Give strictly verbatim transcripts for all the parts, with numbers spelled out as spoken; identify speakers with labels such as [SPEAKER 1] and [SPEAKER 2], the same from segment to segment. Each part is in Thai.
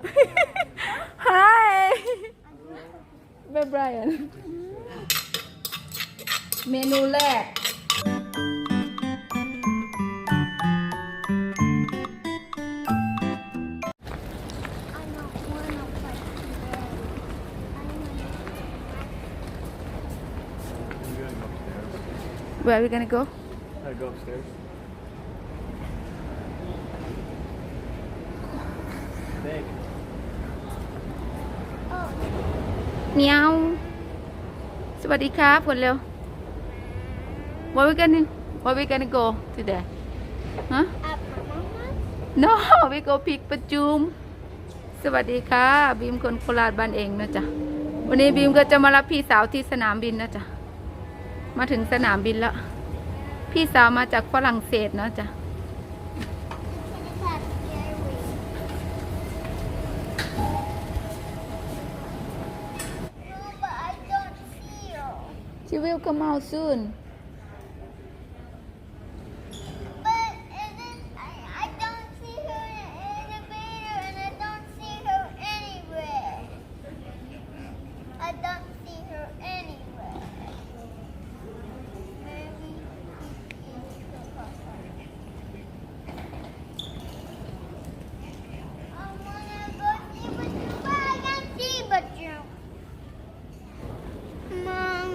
[SPEAKER 1] Hi Bye Brian เมนูแรกWhere are we gonna go?
[SPEAKER 2] I go upstairs. Big.
[SPEAKER 1] เมียวสวัสดีครับคนเร็ว Where we gonna Where we gonna go today? Huh? No we go พิกประจุมสวัสดีค่ะบีมคนโคราชบ้านเองนะจ๊ะวันนี้บีมก็จะมารับพี่สาวที่สนามบินนะจ๊ะมาถึงสนามบินแล้วพี่สาวมาจากฝรั่งเศสนะจ๊ะShe will come out soon.
[SPEAKER 3] But and then I, I don't see her in the elevator and I don't see her anywhere. I don't see her anywhere. Maybe she is the papa. I wanna go see Bachoo, but I can't see Bachoo. Mom.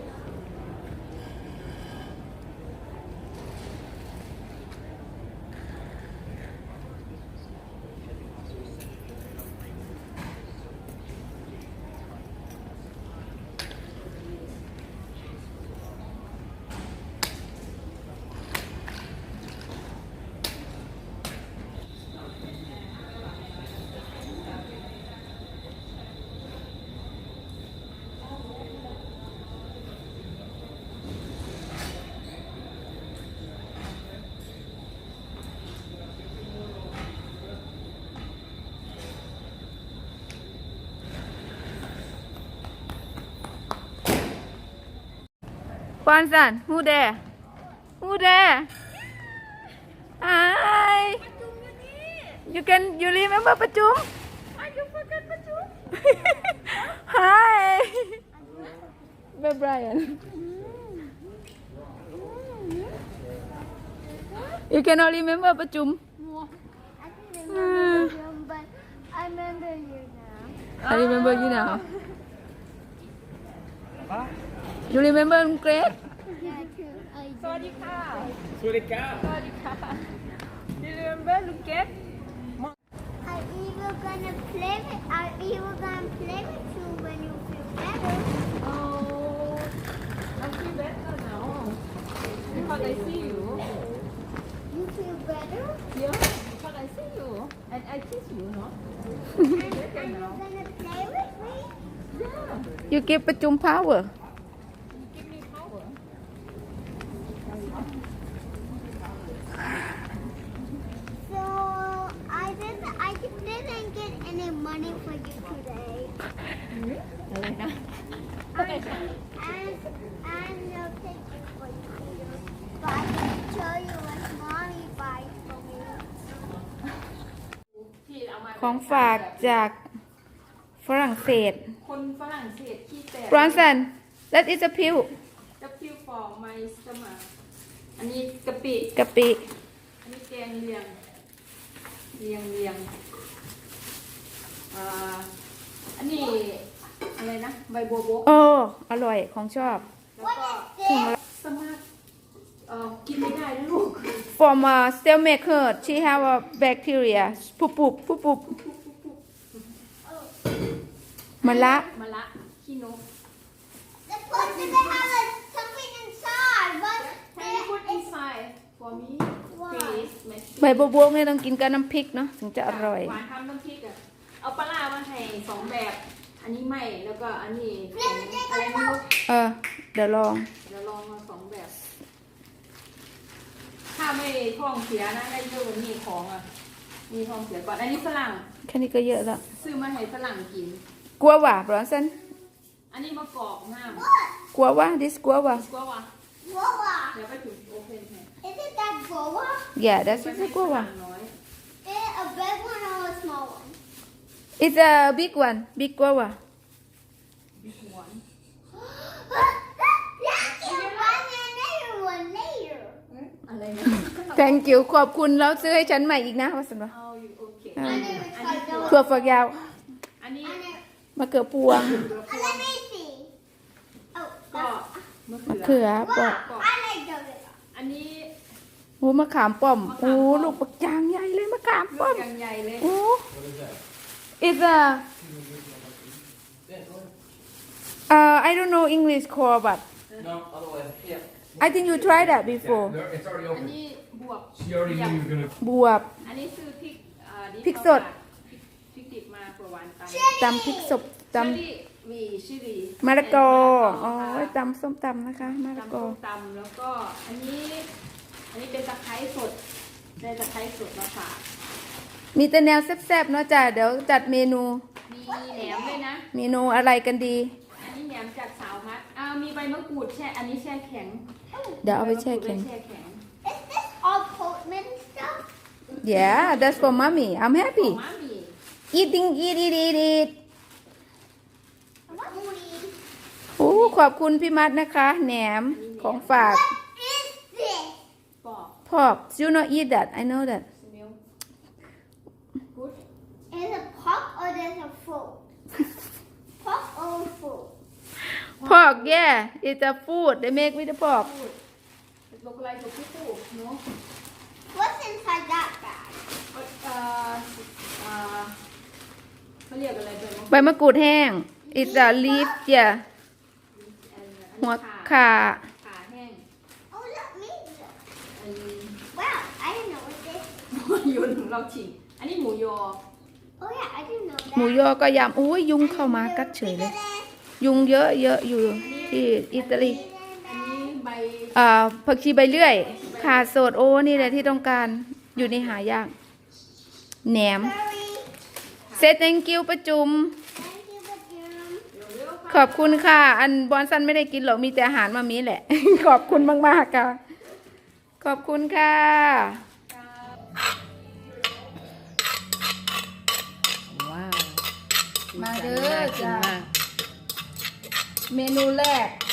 [SPEAKER 1] Kwanzan, who there? Who there? Hi. You can you remember Pachum?
[SPEAKER 3] You forgot Bachoo?
[SPEAKER 1] Hi. Bye Brian. You cannot remember Pachum?
[SPEAKER 3] I can remember you, but I remember you now.
[SPEAKER 1] I remember you now. You remember Grace?
[SPEAKER 3] Yeah, too. I do.
[SPEAKER 1] สวัสดีค่ะ
[SPEAKER 2] Surika.
[SPEAKER 1] สวัสดีค่ะ You remember Lucas?
[SPEAKER 3] Are you even gonna play with? Are you even gonna play with you when you feel better?
[SPEAKER 1] Oh, I feel better now because I see you.
[SPEAKER 3] You feel better?
[SPEAKER 1] Yeah, because I see you and I kiss you, no?
[SPEAKER 3] And are you gonna play with me?
[SPEAKER 1] You give Pachum power.
[SPEAKER 2] Give me power.
[SPEAKER 3] So I didn't. I didn't get any money for you today. And and and no ticket for you. But I can show you what mommy buys for me.
[SPEAKER 1] ของฝากจากฝรั่งเศส
[SPEAKER 4] คนฝรั่งเศสขี้แตก
[SPEAKER 1] Bronson that is a pill
[SPEAKER 4] กะปิฟองไมสมาอันนี้กะปิ
[SPEAKER 1] กะปิ
[SPEAKER 4] อันนี้แกงเลียงเลียงเลียงอ่าอันนี้อะไรนะใบบัวบก
[SPEAKER 1] โอ้อร่อยของชอบ
[SPEAKER 4] แล้วก็ สมาร์ทเอ่อกินไม่ได้นะลูก
[SPEAKER 1] from a stomach hurt she have a bacteria ปุบปุบปุบปุบมะละ
[SPEAKER 4] มะละขี้นก
[SPEAKER 3] The person they have like something inside, but
[SPEAKER 4] Can you put inside for me please
[SPEAKER 1] ใบบัวบกเนี่ยต้องกินกับน้ำพริกเนาะถึงจะอร่อย
[SPEAKER 4] หวานทำน้ำพริกอ่ะเอาปลาร้ามาให้สองแบบ อันนี้ไม่แล้วก็อันนี้ของอะไรไม่รู้
[SPEAKER 1] เออ เดี๋ยวลอง
[SPEAKER 4] เดี๋ยวลองมาสองแบบ ถ้าไม่ท้องเสียนะได้เยอะกว่านี้ของอ่ะ มีท้องเสียก่อน อันนี้ฝรั่ง
[SPEAKER 1] แค่นี้ก็เยอะแล้ว
[SPEAKER 4] ซื้อมาให้ฝรั่งกิน
[SPEAKER 1] กลัวว่ะ Bronson
[SPEAKER 4] อันนี้มะกอกห้าม
[SPEAKER 1] กลัวว่ะ this กลัวว่ะ
[SPEAKER 4] กลัววะ
[SPEAKER 3] guava.
[SPEAKER 4] เดี๋ยวไปถึงโอเพนให้
[SPEAKER 3] Is it that guava?
[SPEAKER 1] yeah that's
[SPEAKER 4] ไป
[SPEAKER 1] is
[SPEAKER 4] ให้
[SPEAKER 1] กลัว
[SPEAKER 4] ฝ
[SPEAKER 1] ว่ะ
[SPEAKER 4] รั่งน้อย
[SPEAKER 3] Is it a big one or a small one?
[SPEAKER 1] It's a big one big guava
[SPEAKER 4] บิ๊กหวน อะไรนะ
[SPEAKER 1] Thank you ขอบคุณแล้วซื้อให้ฉันใหม่อีกนะว่าสันวะ
[SPEAKER 4] เอาอยู่โอเค
[SPEAKER 1] อ่า
[SPEAKER 4] อันนี้ถั่ว
[SPEAKER 1] ถั่วฝักยาว
[SPEAKER 4] อันนี้
[SPEAKER 1] มะเขือพวง
[SPEAKER 4] ก็มะเขื
[SPEAKER 1] เขือปอ
[SPEAKER 4] ก็อันนี้
[SPEAKER 1] โอ้มะขามป้อมโอ้ลูกปักจางใหญ่เลยมะขาม
[SPEAKER 4] ลู
[SPEAKER 1] ป้อก ม
[SPEAKER 4] ยังใหญ่เลย
[SPEAKER 1] โอ้
[SPEAKER 2] What is that?
[SPEAKER 1] It's a uh I don't know English call but
[SPEAKER 2] No, otherwise, yeah.
[SPEAKER 1] I think you tried that before
[SPEAKER 2] Yeah, it's already
[SPEAKER 4] อัน
[SPEAKER 2] open.
[SPEAKER 4] นี้บวบ
[SPEAKER 2] She already knew you were gonna.
[SPEAKER 1] บวบ
[SPEAKER 4] อันนี้คือพริกอ่าดิบ
[SPEAKER 1] พริกสด
[SPEAKER 4] พริกพริกดิบมาเผื่อหวานไป
[SPEAKER 1] ตำพริกสดต
[SPEAKER 4] เชอรี่วีชิลี
[SPEAKER 1] ำมะละกอ
[SPEAKER 4] เ
[SPEAKER 1] อ๋อตำส้มตำนะคะมะละ
[SPEAKER 4] ตำ
[SPEAKER 1] กอ
[SPEAKER 4] ส้มตำแล้วก็อันนี้ อันนี้เป็นตะไคร้สดได้ตะไคร้สดมาฝาก
[SPEAKER 1] มีแต่แนวแซ่บๆเนาะจ้ะเดี๋ยวจัดเมนู
[SPEAKER 4] มีแหนมด้วยนะ
[SPEAKER 1] เมนูอะไรกันดี
[SPEAKER 4] อันนี้แหนมจากสาวพัดอ้าวมีใบมะกรูดแช่ อันนี้แช่แข็ง
[SPEAKER 1] เดี๋ยวเอาไปแช่แข็ง
[SPEAKER 4] ใบมะกรูดไว้แช่แข็ง
[SPEAKER 3] Is this all Portman stuff?
[SPEAKER 1] Yeah that's for mommy I'm
[SPEAKER 4] ข
[SPEAKER 1] happy
[SPEAKER 4] องม้าหมี่
[SPEAKER 1] eating eat eat eat eat
[SPEAKER 3] What is
[SPEAKER 1] โอ้ขอบคุณพี่มัดนะคะ แหนมของฝาก
[SPEAKER 3] this?
[SPEAKER 4] ปอก
[SPEAKER 1] พอก you not eat that I know that
[SPEAKER 4] สมิลกูด
[SPEAKER 3] Is it pork or there's a fruit? Pork or fruit?
[SPEAKER 1] พอก yeah it's a food they make with the pork
[SPEAKER 4] พูดลกอะไรกับพี่ปูเนาะ
[SPEAKER 3] What's inside that bag?
[SPEAKER 4] เอ่อเอ่อเขาเรียกอะไรเป็น
[SPEAKER 1] ใบมะกรูดแห้ง it's a leaf yeah หัว
[SPEAKER 4] ขา
[SPEAKER 1] ขา
[SPEAKER 4] ขาแห้ง
[SPEAKER 3] Oh, let me look.
[SPEAKER 4] อันนี้
[SPEAKER 3] Wow, I didn't know what this.
[SPEAKER 4] โยนของเราฉิงอันนี้หมูยอ
[SPEAKER 3] Oh yeah, I didn't know that.
[SPEAKER 1] หมูยอก็ยำอุ้ยยุงเข้ามากัดเฉยเลย ยุงเยอะเยอะอยู่ที่อิตาลี
[SPEAKER 4] อันนี้ใบ
[SPEAKER 1] อ่าผักชีใบเลื่อยขาสดโอ้นี่แหละที่ต้องการอยู่ในหายากแหนม
[SPEAKER 3] Sorry.
[SPEAKER 1] เซ thank you ประจุม
[SPEAKER 3] Thank you, Bajum.
[SPEAKER 4] เร็วๆ
[SPEAKER 1] ขอบคุณค่ะ อันบอนซันไม่ได้กินหรอกมีแต่อาหารมามีแหละ ขอบคุณมากๆค่ะ ขอบคุณค่ะ
[SPEAKER 4] ว้าว
[SPEAKER 1] มาเด้อจ้าเมนูแรก